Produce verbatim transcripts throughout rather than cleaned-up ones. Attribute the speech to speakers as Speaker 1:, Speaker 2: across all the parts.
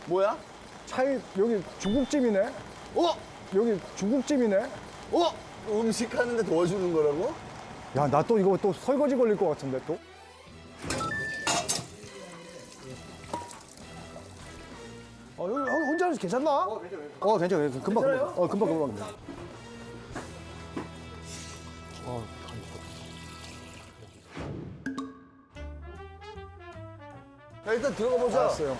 Speaker 1: 뭐야?
Speaker 2: 차이 여기 중국집이네.
Speaker 1: 어?
Speaker 2: 여기 중국집이네.
Speaker 1: 어? 음식 하는데 도와주는 거라고?
Speaker 2: 야, 나 또 이거 또 설거지 걸릴 것 같은데 또. 어, 여기 형 혼자 하면서 괜찮나? 어, 괜찮아. 어, 괜찮아. 금방, 금방. 어, 금방, 금방. 어,
Speaker 1: 자, 일단 들어가 보자.
Speaker 2: 알았어요.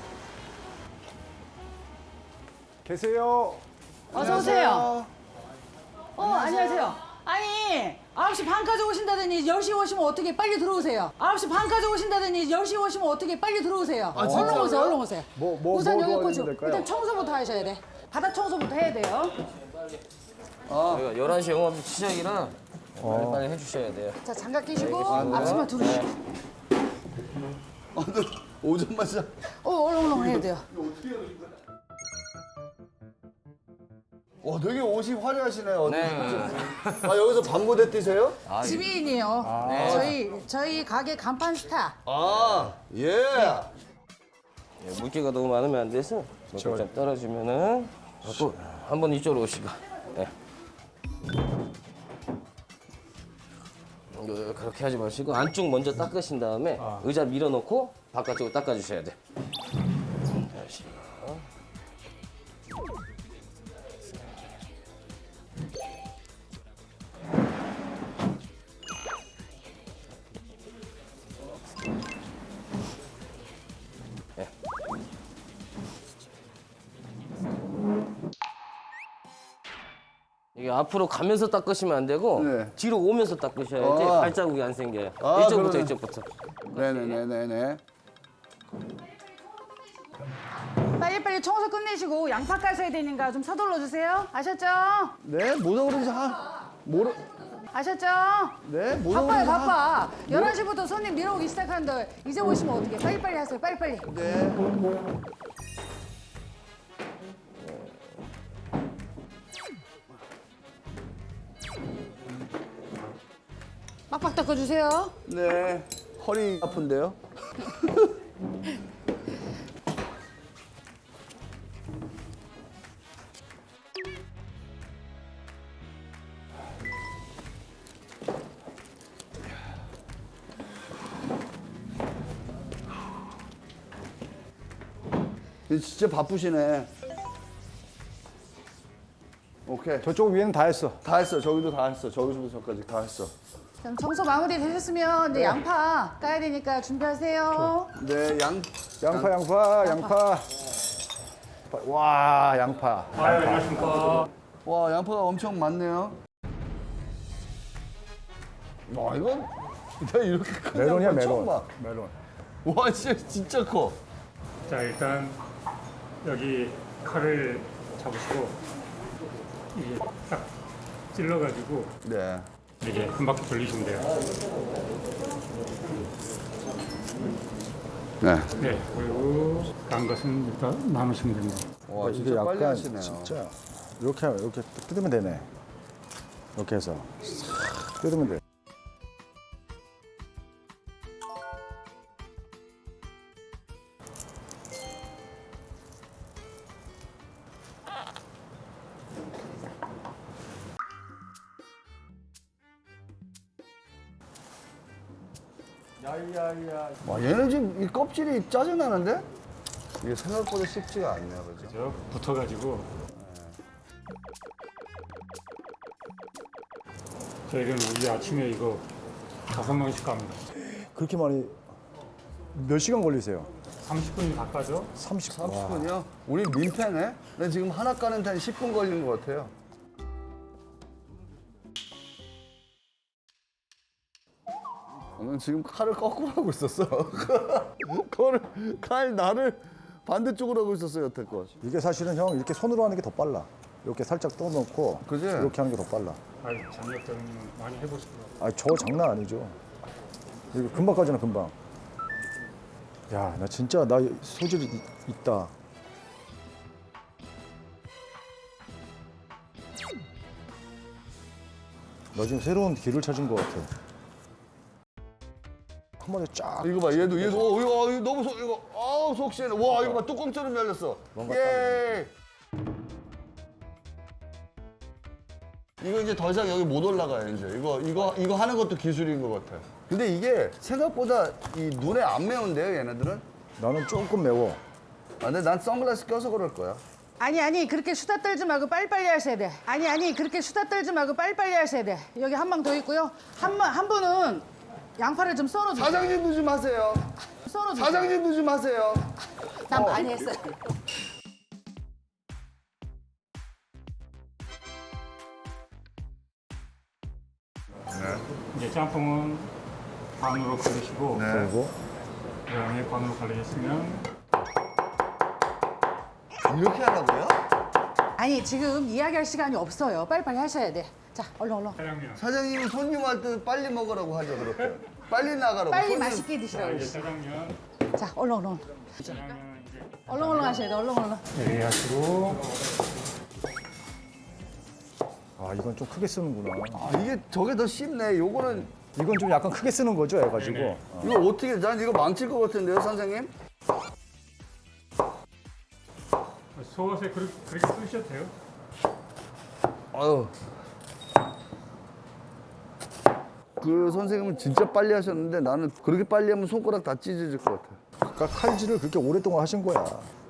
Speaker 2: 계세요.
Speaker 3: 어서 오세요. 어, 안녕하세요. 아니, 아홉 시 반까지 오신다더니 열 시에 오시면 어떻게 빨리 들어오세요. 아홉 시 반까지 오신다더니 열 시에 오시면 어떻게 빨리 들어오세요.
Speaker 1: 아,
Speaker 3: 얼른
Speaker 1: 진짜요?
Speaker 3: 오세요, 얼른 오세요.
Speaker 2: 뭐, 뭐,
Speaker 3: 우선
Speaker 2: 뭐
Speaker 3: 여기
Speaker 2: 도와주면
Speaker 3: 꽂죠.
Speaker 2: 될까요?
Speaker 3: 일단 청소부터 하셔야 돼. 바닥 청소부터 해야 돼요.
Speaker 4: 저희가 열한 시 영업 시작이라 빨리빨리 해주셔야 돼요.
Speaker 3: 자, 장갑 끼시고 앞치마 두르시고.
Speaker 1: 아, 너 오전만 시작.
Speaker 3: 어, 얼른 얼른 해야 돼요.
Speaker 1: 와, 되게 옷이 화려하시네요.
Speaker 4: 네.
Speaker 1: 아, 여기서 밤무대 뛰세요?
Speaker 4: 아,
Speaker 3: 지배인이에요.
Speaker 4: 네.
Speaker 3: 저희 저희 가게 간판 스타.
Speaker 1: 아, 예.
Speaker 4: 예, 물기가 너무 많으면 안 돼서 이렇게 좀 떨어지면은 또 한번 이쪽으로 오시고. 네. 이거 그렇게 하지 마시고 안쪽 먼저 닦으신 다음에 의자 밀어놓고 바깥쪽으로 닦아주셔야 돼. 다시. 이게 앞으로 가면서 닦으시면 안 되고
Speaker 1: 네.
Speaker 4: 뒤로 오면서 닦으셔야지
Speaker 1: 아.
Speaker 4: 발자국이 안 생겨요.
Speaker 1: 아,
Speaker 4: 이쪽부터
Speaker 1: 그러네.
Speaker 4: 이쪽부터.
Speaker 1: 네네네네네.
Speaker 3: 빨리빨리 청소 끝내시고 양파 까셔야 되니까 좀 서둘러 주세요. 아셨죠?
Speaker 1: 네, 뭐라 그러지? 아, 뭐라.
Speaker 3: 아셨죠?
Speaker 1: 네, 뭐라
Speaker 3: 바빠요,
Speaker 1: 그러지? 아,
Speaker 3: 바빠. 열한 시부터 손님 밀어오기 시작하는데 이제 오시면 어떡해. 빨리빨리 하세요, 빨리빨리.
Speaker 1: 네.
Speaker 3: 빡빡 닦아주세요.
Speaker 1: 네. 허리 아픈데요? 진짜 바쁘시네. 오케이.
Speaker 2: 저쪽 위에는 다 했어.
Speaker 1: 다 했어. 저기도 다 했어. 저기서부터 저까지 다 했어.
Speaker 3: 그럼 청소 마무리 되셨으면 이제 양파 까야 되니까 준비하세요.
Speaker 1: 네, 양.
Speaker 2: 양파, 양파, 양파. 와, 양파.
Speaker 1: 와, 양파가 엄청 많네요. 와, 이건 내가 이렇게 큰
Speaker 2: 메론이야,
Speaker 1: 양파 처음
Speaker 2: 메론.
Speaker 1: 봐.
Speaker 2: 메론.
Speaker 1: 와, 진짜 진짜 커.
Speaker 5: 자, 일단 여기 칼을 잡으시고 이게 딱 찔러가지고
Speaker 1: 네.
Speaker 5: 이게 한 바퀴 돌리시면 돼요.
Speaker 1: 네.
Speaker 5: 네, 그리고 난 것은 일단 나누시면 됩니다.
Speaker 1: 와,
Speaker 2: 이게
Speaker 1: 진짜 빨리
Speaker 2: 약간
Speaker 1: 하시네요.
Speaker 2: 진짜 이렇게 이렇게 딱 뜯으면 되네. 이렇게 해서 싹 뜯으면 돼. 야야야.
Speaker 1: 와, 얘는 지금 이 껍질이 짜증나는데? 이게 생각보다 쉽지가 않네요, 그죠?
Speaker 5: 그죠? 붙어가지고 저희는 우리 아침에 이거 다섯 명씩 갑니다.
Speaker 2: 그렇게 많이 몇 시간 걸리세요?
Speaker 5: 삼십 분이 가까죠?
Speaker 2: 삼십.
Speaker 1: 삼십 분이요? 우리 민폐네? 난 지금 하나 까는 데한 십 분 걸린 것 같아요. 난 지금 칼을 거꾸로 하고 있었어. 그거를, 칼 나를 반대쪽으로 하고 있었어요, 여태껏.
Speaker 2: 이게 사실은 형 이렇게 손으로 하는 게 더 빨라. 이렇게 살짝 떠놓고
Speaker 1: 그지?
Speaker 2: 이렇게 하는 게 더 빨라.
Speaker 5: 아이, 장력들은 많이 해보시더라고요.
Speaker 2: 아, 저 장난 아니죠. 이거 금방 까지나 금방. 야, 나 진짜 나 소질이 있- 있다. 나 지금 새로운 길을 찾은 것 같아. 한 번에 쫙.
Speaker 1: 이거 봐, 얘도 얘도 어, 이거, 어, 이거 너무 속 이거 아우 속 시원해. 와 이거 봐 뚜껑처럼 열렸어.
Speaker 2: 뭔가
Speaker 1: 예. 이거 이제 더 이상 여기 못 올라가요 이제. 이거 이거 이거 하는 것도 기술인 것 같아. 근데 이게 생각보다 이 눈에 안 매운데요 얘네들은?
Speaker 2: 나는 조금 매워.
Speaker 1: 아, 근데 난 선글라스 껴서 그럴 거야.
Speaker 3: 아니 아니 그렇게 수다 떨지 말고 빨리빨리 하셔야 돼. 아니 아니 그렇게 수다 떨지 말고 빨리빨리 하셔야 돼. 여기 한 방 더 있고요. 한, 번- 한 분은 양파를 좀 썰어주세요.
Speaker 1: 사장님도 좀 하세요.
Speaker 3: 썰어주세요.
Speaker 1: 사장님도 좀 하세요.
Speaker 3: 난 많이 했어요.
Speaker 5: 이제 짬뽕은 반으로 갈리시고
Speaker 1: 네.
Speaker 2: 그리고
Speaker 5: 그다음에 반으로 갈리셨으면
Speaker 1: 이렇게 하라고요?
Speaker 3: 아니 지금 이야기할 시간이 없어요. 빨리빨리 하셔야 돼. 자 얼른 얼른.
Speaker 5: 짜장면.
Speaker 1: 사장님이 손님한테 빨리 먹으라고 하죠 그렇게. 빨리 나가라고.
Speaker 3: 빨리
Speaker 1: 손님-
Speaker 3: 맛있게 드시라고.
Speaker 5: 이제 짜장면,
Speaker 3: 자 얼른 얼른.
Speaker 5: 짜장면 이제
Speaker 3: 얼른 얼른 하셔야 돼. 얼른 얼른.
Speaker 5: 예리하시고
Speaker 2: 아 이건 좀 크게 쓰는구나.
Speaker 1: 아, 이게 저게 더 쉽네. 요거는
Speaker 2: 이건 좀 약간 크게 쓰는 거죠, 해가지고.
Speaker 5: 네네.
Speaker 2: 어.
Speaker 1: 이거 어떻게 난 이거 망칠 것 같은데요, 선생님?
Speaker 5: 소스에 그렇게, 그렇게 쓰셔도 돼요.
Speaker 1: 아유. 그 선생님은 진짜 빨리 하셨는데 나는 그렇게 빨리 하면 손가락 다 찢어질 것 같아.
Speaker 2: 그러니까 칼질을 그렇게 오랫동안 하신 거야.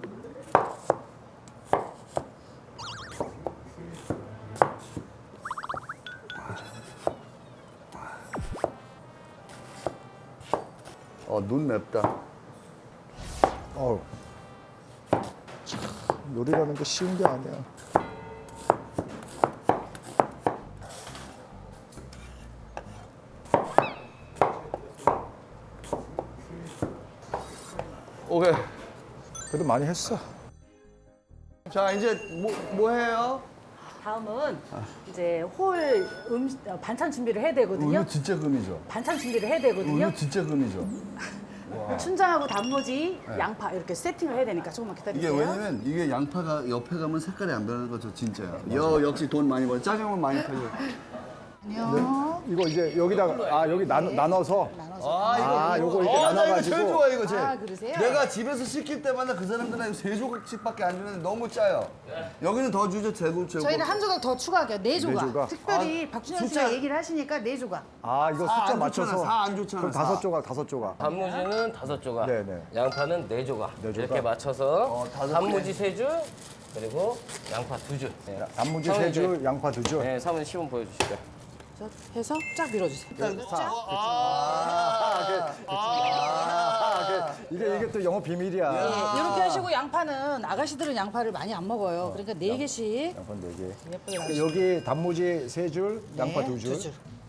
Speaker 1: 어, 눈 맵다.
Speaker 2: 어우. 참, 요리라는 게 쉬운 게 아니야.
Speaker 1: 오케이.
Speaker 2: 그래도 많이 했어.
Speaker 1: 자, 이제 뭐, 뭐 해요?
Speaker 3: 다음은 이제 홀 음식 어, 반찬 준비를 해야 되거든요.
Speaker 1: 이거 진짜 금이죠.
Speaker 3: 반찬 준비를 해야 되거든요.
Speaker 1: 이거 진짜 금이죠.
Speaker 3: 춘장하고 단무지, 양파 이렇게 세팅을 해야 되니까 조금만
Speaker 1: 이게
Speaker 3: 기다리세요.
Speaker 1: 왜냐면 이게 양파가 옆에 가면 색깔이 안 변하는 거죠, 진짜야. 여, 역시 돈 많이 벌. 짜장면 많이 팔려.
Speaker 3: 안녕.
Speaker 2: 이거 이제 여기다가, 아, 여기 나눠, 나눠서.
Speaker 1: 아,
Speaker 2: 아, 요거 이렇게
Speaker 1: 어, 나 이거
Speaker 2: 나눠가지고.
Speaker 1: 제일 좋아, 이거 제일.
Speaker 3: 아, 그러세요?
Speaker 1: 내가 집에서 시킬 때마다 그 사람들은 세 조각씩밖에 안 주는데 너무 짜요. 여기는 더 주죠, 제곱, 제곱.
Speaker 3: 저희는 한 조각 더 추가할게요. 네 조각.
Speaker 2: 조각?
Speaker 3: 특별히 박준현 씨가
Speaker 1: 숫자-
Speaker 3: 얘기를 하시니까 네 조각.
Speaker 2: 아, 이거
Speaker 1: 사
Speaker 2: 숫자
Speaker 1: 안
Speaker 2: 맞춰서.
Speaker 1: 좋잖아, 사안 좋잖아,
Speaker 2: 그럼
Speaker 1: 사.
Speaker 2: 다섯 조각, 다섯 조각.
Speaker 4: 단무지는 다섯 조각,
Speaker 2: 네네.
Speaker 4: 양파는 네 조각.
Speaker 2: 네 조각.
Speaker 4: 이렇게 맞춰서
Speaker 1: 어, 다섯
Speaker 4: 단무지
Speaker 1: 개.
Speaker 4: 세 줄, 그리고 양파 두 줄. 네.
Speaker 2: 단무지
Speaker 4: 사모님
Speaker 2: 세 줄, 양파 두 줄.
Speaker 4: 네, 사모님 시범 보여주시죠.
Speaker 3: 자, 해서 쫙 밀어주세요.
Speaker 2: 이게, 이게 또 영업 비밀이야.
Speaker 3: 네, 이렇게 하시고 양파는 아가씨들은 양파를 많이 안 먹어요. 그러니까 네 개씩
Speaker 2: 양파 네 개.
Speaker 3: 예쁘게
Speaker 2: 그러니까
Speaker 3: 나오시죠.
Speaker 2: 여기 단무지 세 줄, 양파
Speaker 3: 네,
Speaker 2: 두 줄.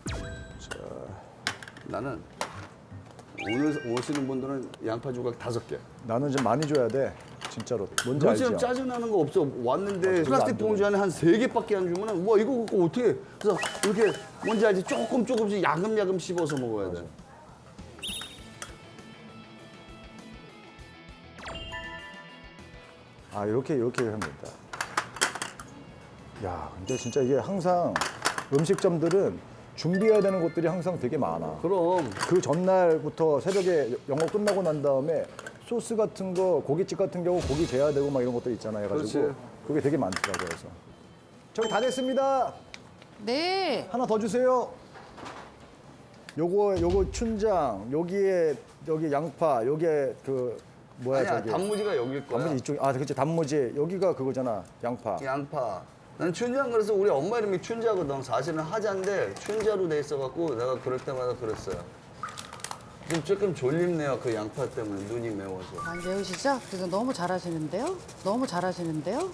Speaker 1: 나는 오늘 오시는 분들은 양파 조각 다섯 개.
Speaker 2: 나는 좀 많이 줘야 돼. 진짜로. 뭔지
Speaker 1: 너
Speaker 2: 알죠?
Speaker 1: 지금 짜증나는 거 없어. 왔는데
Speaker 2: 별로
Speaker 1: 플라스틱
Speaker 2: 안
Speaker 1: 봉지 안에 한 세 개밖에 안 주면은 와 이거 갖고 어떻게? 그래서 이렇게 뭔지 알지? 조금 조금씩 야금야금 씹어서 먹어야 돼.
Speaker 2: 아, 이렇게, 이렇게 하면 된다. 야, 근데 진짜 이게 항상 음식점들은 준비해야 되는 것들이 항상 되게 많아.
Speaker 1: 그럼
Speaker 2: 그 전날부터 새벽에 영업 끝나고 난 다음에 소스 같은 거, 고깃집 같은 경우 고기 재야 되고 막 이런 것들 있잖아요. 해가지고
Speaker 1: 그렇지.
Speaker 2: 그게 되게 많더라고요. 그래서 저기 다 됐습니다.
Speaker 3: 네.
Speaker 2: 하나 더 주세요. 요거 요거 춘장, 여기에 여기 양파, 요게 그 뭐야
Speaker 1: 아니야
Speaker 2: 저기
Speaker 1: 단무지가 여길 거야.
Speaker 2: 단무지 이쪽 아 그치 단무지 여기가 그거잖아 양파.
Speaker 1: 양파. 난 춘장 그래서 우리 엄마 이름이 춘자거든. 사실은 하자인데 춘자로 돼 있어갖고 내가 그럴 때마다 그랬어요. 지금 조금 졸립네요. 그 양파 때문에 눈이 매워서.
Speaker 3: 안 배우시죠? 그래서 너무 잘하시는데요? 너무 잘하시는데요?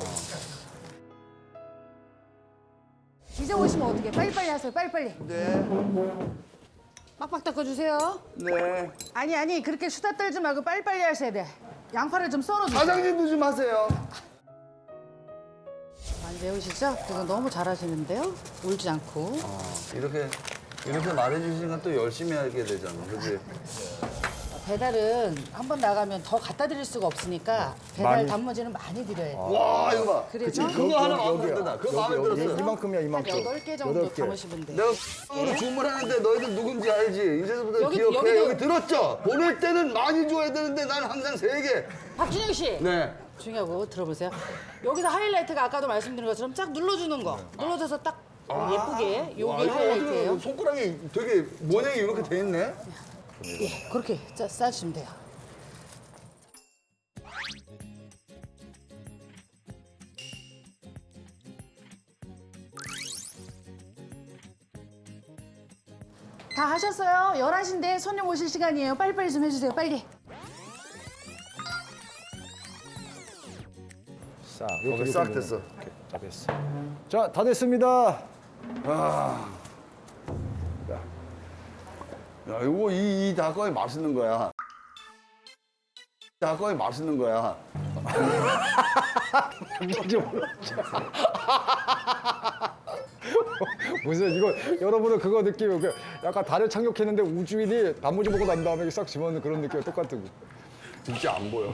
Speaker 3: 이제 오시면 어떻게? 빨리빨리 하세요. 빨리빨리.
Speaker 1: 네.
Speaker 3: 빡빡 닦아주세요.
Speaker 1: 네.
Speaker 3: 아니 아니 그렇게 수다 떨지 말고 빨리빨리 하셔야 돼. 양파를 좀 썰어주세요.
Speaker 1: 사장님도 좀 하세요.
Speaker 3: 안 배우시죠? 그래서 너무 잘하시는데요? 울지 않고.
Speaker 1: 이렇게 이렇게 말해주시니까 또 열심히 하게 되잖아. 그지?
Speaker 3: 배달은 한 번 나가면 더 갖다 드릴 수가 없으니까 배달
Speaker 2: 많이?
Speaker 3: 단무지는 많이 드려요.
Speaker 1: 와 이거 봐.
Speaker 3: 그래서
Speaker 1: 그거 하나 마음에
Speaker 2: 여기야.
Speaker 1: 든다. 그거
Speaker 2: 여기,
Speaker 1: 마음에
Speaker 2: 여기.
Speaker 1: 들었어.
Speaker 2: 이만큼이야
Speaker 3: 한
Speaker 2: 이만큼.
Speaker 3: 여덟 개 정도
Speaker 2: 여덟 개.
Speaker 3: 담으시면 돼요.
Speaker 1: 내가 으로 주문하는데 너희들 누군지 알지? 이제부터
Speaker 3: 여기-
Speaker 1: 기억해.
Speaker 3: 여기도-
Speaker 1: 여기 들었죠? 보낼 때는 많이 줘야 되는데 난 항상 세 개.
Speaker 3: 박준영 씨.
Speaker 1: 네.
Speaker 3: 중요하고 들어보세요. 여기서 하이라이트가 아까도 말씀드린 것처럼 쫙 눌러주는 거. 눌러줘서 딱 예쁘게
Speaker 1: 와,
Speaker 3: 요게
Speaker 1: 이거 어떻게
Speaker 3: 하이라이트예요.
Speaker 1: 손가락이 되게 모양이 이렇게 돼 있네.
Speaker 3: 예, 그렇게 짜, 싸주시면 돼요. 다 하셨어요? 열한 시인데 손님 오실 시간이에요. 빨리빨리 좀 해주세요. 빨리.
Speaker 2: 싹.
Speaker 1: 거기 싹 됐어.
Speaker 2: 자, 됐어. 자, 다 됐습니다.
Speaker 1: 야, 이거 이, 이 닭갈비 맛있는 거야. 닭갈비 맛있는 거야.
Speaker 2: 무슨 이거 여러분은 그거 느끼고 그 약간 달을 착륙했는데 우주인이 단무지 보고 난 다음에 싹 집어넣는 그런 느낌 똑같은 거.
Speaker 1: 진짜 안 보여.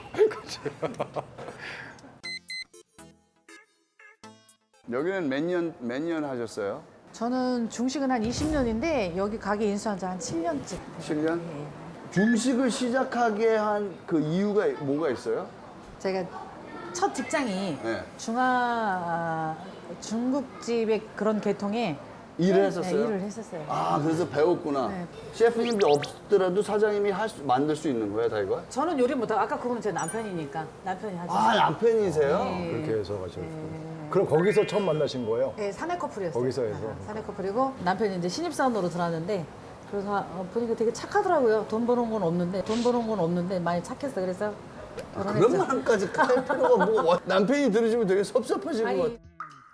Speaker 1: 여기는 몇 년, 몇 년 하셨어요?
Speaker 3: 저는 중식은 한 이십 년인데 여기 가게 인수한 지 한 칠 년째.
Speaker 1: 칠 년? 중식을 시작하게 한 그 이유가 뭐가 있어요?
Speaker 3: 제가 첫 직장이
Speaker 1: 네.
Speaker 3: 중화 중국집의 그런 계통에
Speaker 1: 일을 했었어요?
Speaker 3: 네, 일을 했었어요.
Speaker 1: 아, 그래서 배웠구나.
Speaker 3: 네.
Speaker 1: 셰프님이 없더라도 사장님이 할 수, 만들 수 있는 거예요, 다 이거?
Speaker 3: 저는 요리 못하고 아까 그거는 제 남편이니까 남편이 하죠.
Speaker 1: 아, 남편이세요?
Speaker 3: 네.
Speaker 2: 그렇게 해서 가지고. 그럼 거기서 처음 만나신 거예요?
Speaker 3: 네, 사내 커플이었어요.
Speaker 2: 거기서 해서?
Speaker 3: 아, 사내 커플이고 남편이 이제 신입사원으로 들어왔는데 그래서 어, 보니까 되게 착하더라고요. 돈 버는 건 없는데 돈 버는 건 없는데 많이 착했어. 그래서 결혼했죠.
Speaker 1: 그런 말까지 할 필요가 뭐 남편이 들으시면 되게 섭섭하실 것 같아요.
Speaker 3: 아니,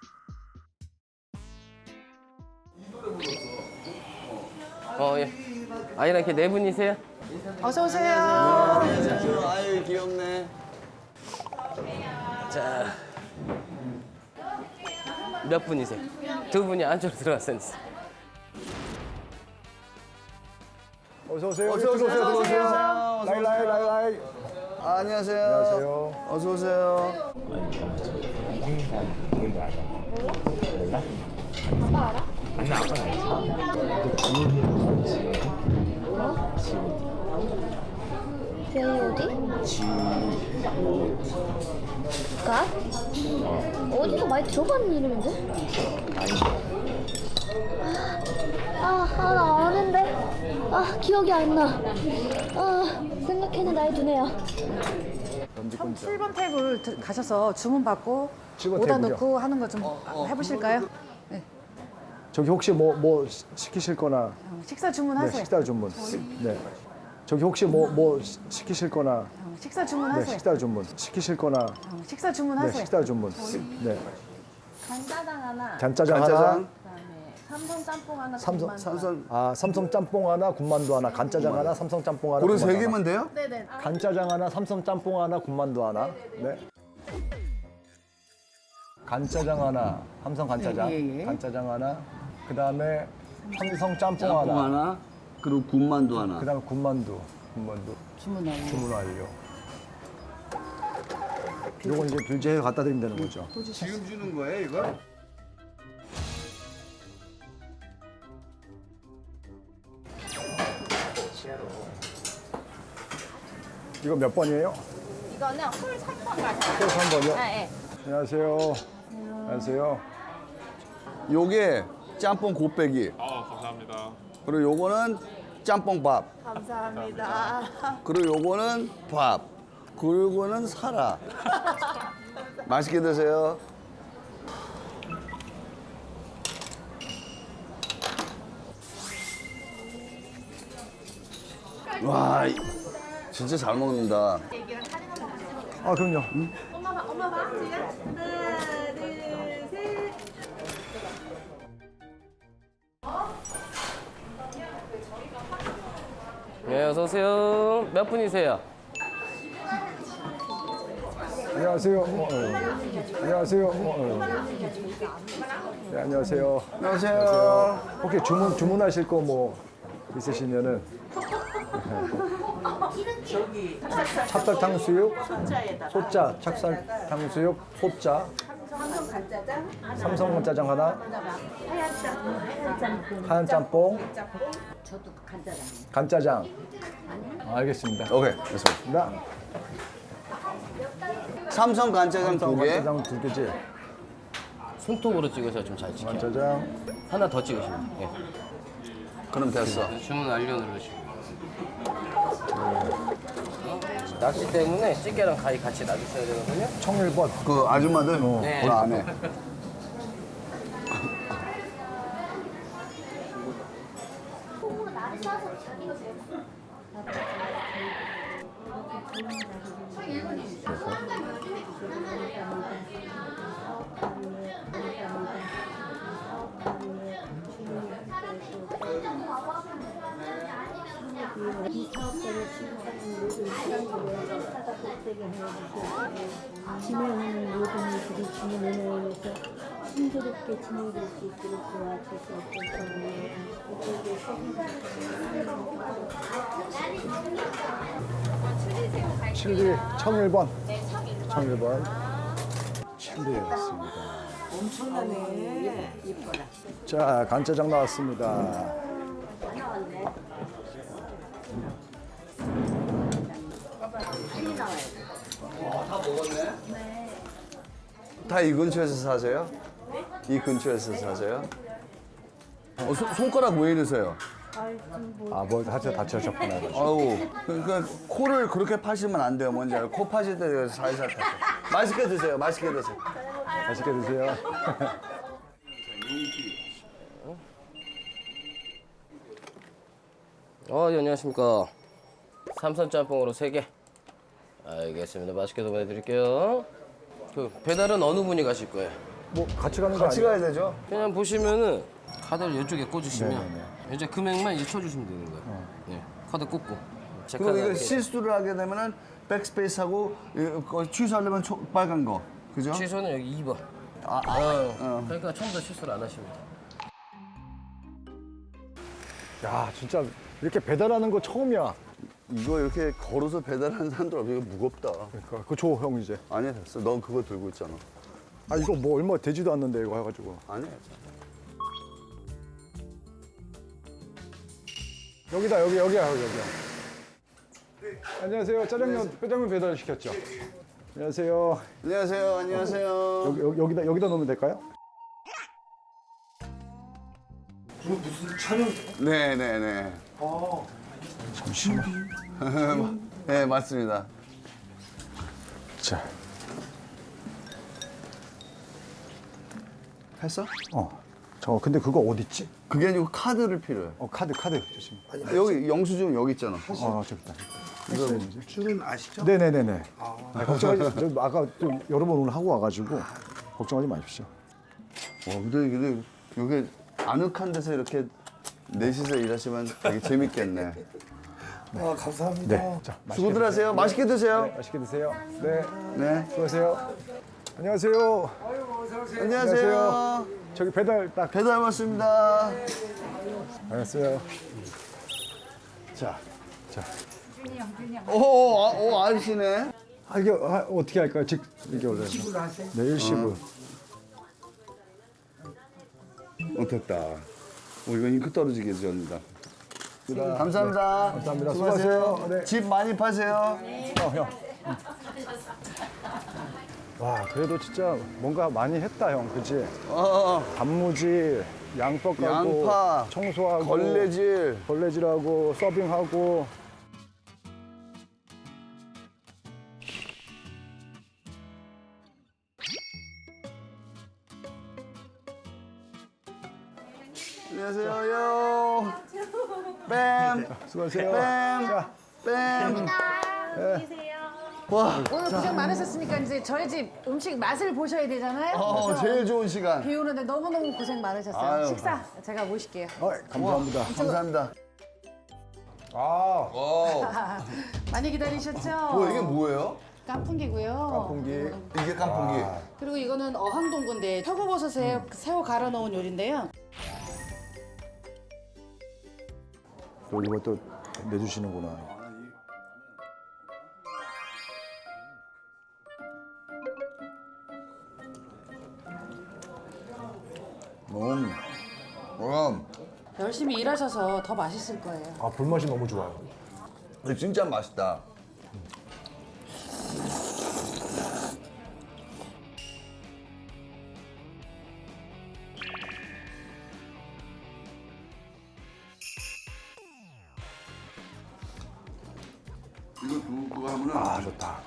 Speaker 4: 어, 예. 아이랑 이렇게 네 분이세요?
Speaker 3: 어서 오세요.
Speaker 1: 아유, 귀엽네.
Speaker 4: 자. 몇 분이세요? 두 분이 안쪽으로 들어갔어요.
Speaker 2: 어서 오세요.
Speaker 1: 어서 오세요.
Speaker 2: 들어오세요.
Speaker 1: 어서 오세요.
Speaker 2: 들어오세요. 라이 라이 라이 라이.
Speaker 1: 아, 안녕하세요.
Speaker 2: 안녕하세요.
Speaker 1: 어서 오세요.
Speaker 6: 제이 어디? 가? 어디서 많이 들어봤는 이름인데? 아, 아, 나 아는데. 아, 기억이 안 나. 아, 생각해는 나이 드네요.
Speaker 3: 칠 번 테이블 들- 가셔서 주문 받고
Speaker 2: 칠 번
Speaker 3: 오다
Speaker 2: 테이블이요?
Speaker 3: 넣고 하는 거 좀 해보실까요? 네.
Speaker 2: 저기 혹시 뭐 뭐 시키실 거나
Speaker 3: 어, 식사
Speaker 2: 네,
Speaker 3: 주문하세요.
Speaker 2: 식사 주문. 네. 저기 혹시 뭐 뭐 시키실 거나
Speaker 3: 어, 식사
Speaker 2: 네,
Speaker 3: 주문하세요.
Speaker 2: 식사 주문. 시키실 거나
Speaker 3: 어, 식사
Speaker 2: 네,
Speaker 3: 주문하세요.
Speaker 2: 식사 주문. 네.
Speaker 7: 간짜장 하나,
Speaker 2: 간짜장 하나.
Speaker 1: 간짜장,
Speaker 7: 그다음에 삼선 짬뽕 하나,
Speaker 2: 삼선-
Speaker 7: 군만두 하나.
Speaker 1: 삼선.
Speaker 2: 아, 삼성 짬뽕 하나, 군만두 하나, 간짜장 하나, 삼성 짬뽕 하나.
Speaker 1: 고른
Speaker 2: 군만두
Speaker 1: 세
Speaker 2: 하나.
Speaker 1: 개면 돼요?
Speaker 7: 네네.
Speaker 2: 간짜장 하나, 삼성 짬뽕 하나, 군만두 하나. 네. 간짜장 하나, 삼성 간짜장.
Speaker 3: 예, 예, 예.
Speaker 2: 간짜장 하나. 그다음에 삼성 짬뽕,
Speaker 1: 짬뽕
Speaker 2: 하나.
Speaker 1: 하나, 그리고 군만두 하나.
Speaker 2: 그다음에 군만두. 군만두.
Speaker 3: 주문하고.
Speaker 2: 주문 완료. 요건 이제 결제해 갖다 드리면 되는 거죠.
Speaker 1: 지금 주는 거예요, 이거?
Speaker 2: 이거 몇 번이에요?
Speaker 7: 이거는 홀 삼 번 가세요.
Speaker 2: 또 삼 번이요?
Speaker 7: 네.
Speaker 2: 안녕하세요. 안녕하세요.
Speaker 1: 요게 짬뽕 곱빼기.
Speaker 8: 아, 감사합니다.
Speaker 1: 그리고 요거는 짬뽕 밥.
Speaker 7: 감사합니다.
Speaker 1: 그리고 요거는 밥. 그리고 요거는 살아. 맛있게 드세요. 와, 이- 진짜 잘 먹는다.
Speaker 2: 아, 그럼요.
Speaker 7: 엄마 봐, 엄마 봐. 지금 하나, 둘, 셋.
Speaker 4: 네, 어서 오세요. 몇 분이세요?
Speaker 2: 안녕하세요. 어, 어. 안녕하세요. 어, 어. 네, 안녕하세요.
Speaker 1: 안녕하세요.
Speaker 2: 혹시 주문 주문하실 거 뭐 있으시면은 찹쌀 탕수육, 소짜, 찹쌀 탕수육, 소짜, 삼성 간짜장 하나, 하얀 짬뽕, 간짜장. 알겠습니다.
Speaker 1: 오케이, 됐습니다.
Speaker 2: 나
Speaker 1: 삼성 간짜장 두 개.
Speaker 2: 간짜장 두 개지.
Speaker 4: 손톱으로 찍으셔야 좀 잘 찍혀요.
Speaker 2: 간짜장.
Speaker 4: 하나 더 찍으시면 돼요.
Speaker 1: 그럼 됐어.
Speaker 4: 예. 주문 완료 누르시고. 낚시 때문에 찌개랑 가위 같이 놔주셔야 되거든요.
Speaker 2: 청일번.
Speaker 1: 그 아줌마들
Speaker 4: 네.
Speaker 1: 그 안에.
Speaker 8: 이 사업자를 취급하는 모든 시간들을 사다 복되게 해주시고 진행하는 모든 일들이 주님 은혜에 의해서 순조롭게 진행될 수 있도록 도와주셔서 이쪽에
Speaker 2: 칠리 청일번. 청일번. 칠리였습니다.
Speaker 3: 엄청나네. 예뻐라.
Speaker 2: 자, 간짜장 나왔습니다.
Speaker 1: 다 이 근처에서 사세요? 이 근처에서 사세요? 어, 손- 손가락 왜 이러세요?
Speaker 2: 아, 뭐 하체 다치셨구나.
Speaker 1: 아우, 그러니까 코를 그렇게 파시면 안 돼요. 뭔지 알아요? 코 파실 때 살살 파세요. 맛있게 드세요. 맛있게 드세요.
Speaker 2: 맛있게 드세요.
Speaker 4: 어, 예, 안녕하십니까. 삼선 짬뽕으로 세 개. 알겠습니다. 맛있게 보내드릴게요. 그 배달은 어느 분이 가실 거예요?
Speaker 2: 뭐 같이 가는 거
Speaker 1: 같이
Speaker 2: 아니에요?
Speaker 1: 가야 되죠?
Speaker 4: 그냥 보시면은 카드를 이쪽에 꽂으시면
Speaker 2: 네네네.
Speaker 4: 이제 금액만 이제 쳐주시면 되는 거예요. 네, 카드 꽂고. 제
Speaker 1: 그리고
Speaker 4: 카드
Speaker 1: 이거
Speaker 4: 이렇게
Speaker 1: 실수를 하게 되면은 백스페이스하고 이거 취소하려면 초- 빨간 거. 그죠?
Speaker 4: 취소는 여기 이 번.
Speaker 1: 아, 아, 어.
Speaker 4: 그러니까 처음부터 실수를 안 하십니다.
Speaker 2: 야, 진짜 이렇게 배달하는 거 처음이야.
Speaker 1: 이거 이렇게 걸어서 배달하는 사람들 없어. 이거 무겁다.
Speaker 2: 그러니까 그거 줘, 형 이제.
Speaker 1: 아니야, 됐어. 넌 그거 들고 있잖아.
Speaker 2: 아, 이거 뭐 얼마 되지도 않는데 이거 해가지고.
Speaker 1: 아니야.
Speaker 2: 여기다, 여기, 여기야, 여기, 여기야. 안녕하세요. 짜장면, 짜장면 배달 시켰죠? 안녕하세요.
Speaker 1: 안녕하세요. 안녕하세요.
Speaker 2: 여기, 여기, 여기다, 여기다 놓으면 될까요?
Speaker 1: 네네네.
Speaker 2: 잠시만.
Speaker 1: 네, 맞습니다.
Speaker 2: 자,
Speaker 1: 했어?
Speaker 2: 어. 저 근데 그거 어디 있지?
Speaker 1: 그게 아니고 카드를 필요해.
Speaker 2: 어, 카드, 카드 주시면.
Speaker 1: 여기 영수증 여기 있잖아.
Speaker 2: 아, 저기 있다.
Speaker 9: 줄은 아시죠?
Speaker 2: 네네네네. 아, 걱정하지. 저 아까 좀 여러 번 오늘 하고 와가지고 걱정하지 마십시오.
Speaker 1: 와, 근데 근데 여기 아늑한 데서 이렇게 넷이서 일하시면 되게 재밌겠네.
Speaker 9: 아, 감사합니다.
Speaker 2: 네. 자, 맛있게
Speaker 1: 수고들 하세요. 맛있게 드세요.
Speaker 2: 네, 맛있게 드세요. 네.
Speaker 1: 네.
Speaker 2: 수고하세요. 안녕하세요.
Speaker 1: 안녕하세요.
Speaker 2: 저기 배달 딱.
Speaker 1: 배달 왔습니다.
Speaker 2: 안녕하세요. 자, 자.
Speaker 1: 오, 아, 오, 아저씨네.
Speaker 2: 아, 이게 아, 어떻게 할까요? 직 이게 원래. 네, 일시불.
Speaker 1: 어, 됐다. 오, 이건 잉크 떨어지게 해줍니다. 감사합니다.
Speaker 2: 감사합니다.
Speaker 1: 수고하세요.
Speaker 2: 수고하세요. 네.
Speaker 1: 집 많이 파세요.
Speaker 2: 형, 형. 응. 와, 그래도 진짜 뭔가 많이 했다, 형. 그치?
Speaker 1: 어,
Speaker 2: 단무지, 양파 까고,
Speaker 1: 양파,
Speaker 2: 청소하고,
Speaker 1: 걸레질.
Speaker 2: 걸레질하고, 서빙하고.
Speaker 1: 안녕하세요. 뺨.
Speaker 2: 수고하세요.
Speaker 1: 뺨.
Speaker 2: 자,
Speaker 1: 뺨.
Speaker 7: 계세요.
Speaker 1: 와,
Speaker 3: 오늘 고생 많으셨으니까 이제 저희 집 음식 맛을 보셔야 되잖아요.
Speaker 1: 어,
Speaker 3: 그래서
Speaker 1: 제일 좋은 시간.
Speaker 3: 비 오는데 너무너무 고생 많으셨어요.
Speaker 1: 아유.
Speaker 3: 식사 제가 모실게요.
Speaker 2: 어, 감사합니다.
Speaker 1: 감사합니다.
Speaker 2: 아,
Speaker 1: 오,
Speaker 3: 많이 기다리셨죠?
Speaker 1: 뭐 이게 뭐예요?
Speaker 3: 깐풍기고요.
Speaker 2: 공기.
Speaker 1: 이게 깐풍기.
Speaker 3: 그리고 이거는 어항동구인데 표고버섯에 새우 갈아 넣은 요리인데요.
Speaker 2: 또 이거 또 내주시는구나.
Speaker 1: 음. 음.
Speaker 3: 열심히 일하셔서 더 맛있을 거예요.
Speaker 2: 아 불맛이 너무 좋아요.
Speaker 1: 이거 진짜 맛있다. 이거 두고 하면은
Speaker 2: 아 좋다.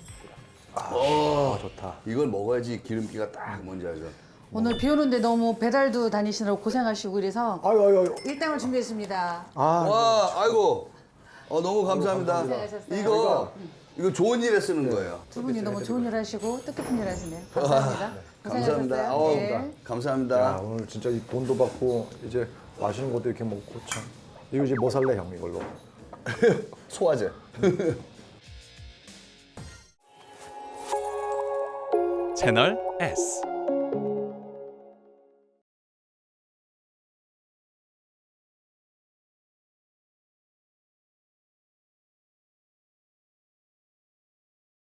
Speaker 1: 어,
Speaker 2: 아 좋다.
Speaker 1: 이걸 먹어야지 기름기가 딱 뭔지 알죠?
Speaker 3: 오늘 비 오는데 너무 배달도 다니시느라고 고생하시고 이래서
Speaker 2: 아유 아유 아유.
Speaker 3: 일당을 준비했습니다.
Speaker 2: 아
Speaker 1: 와, 아이고. 어, 너무 감사합니다.
Speaker 3: 고생하셨어요.
Speaker 1: 이거 이거 좋은 일에 쓰는 거예요.
Speaker 3: 두 분이 너무 좋은 일 하시고 뜻깊은 일 하시네요. 감사합니다.
Speaker 1: 감사합니다.
Speaker 3: 고생하셨어요.
Speaker 1: 아우,
Speaker 3: 네.
Speaker 1: 감사합니다.
Speaker 2: 야 오늘 진짜 이 돈도 받고 이제 맛있는 것도 이렇게 먹고 참. 이거 이제 뭐 살래 형 이걸로?
Speaker 1: 소화제.
Speaker 10: 채널 S